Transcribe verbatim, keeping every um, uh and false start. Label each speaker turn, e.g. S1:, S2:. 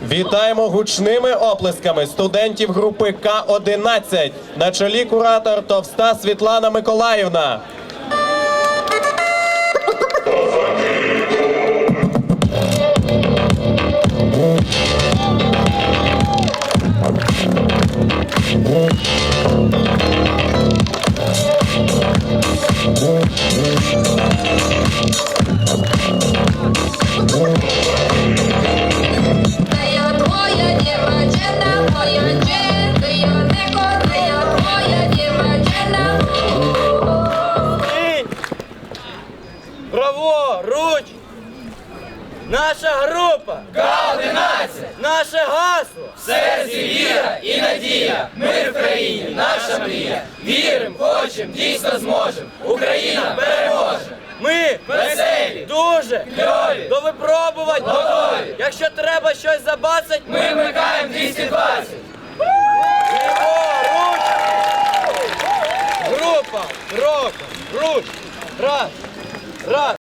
S1: Вітаємо гучними оплесками студентів групи К одинадцять. На чолі куратор Товста Світлана Миколаївна.
S2: Праворуч! Наша група
S3: К одинадцять!
S2: наше гасло!
S3: В серці віра і надія! Мир в країні, наша мрія! Вірим, хочем, дійсно зможем! Україна переможе!
S2: Ми
S3: Веселі!
S2: дуже
S3: Кльові!
S2: до випробувань
S3: Готові!
S2: Якщо треба щось забацать,
S3: Ми вмикаємо двісті двадцять!
S2: Ліворуч! Група кроком, руч! Раз! Раз!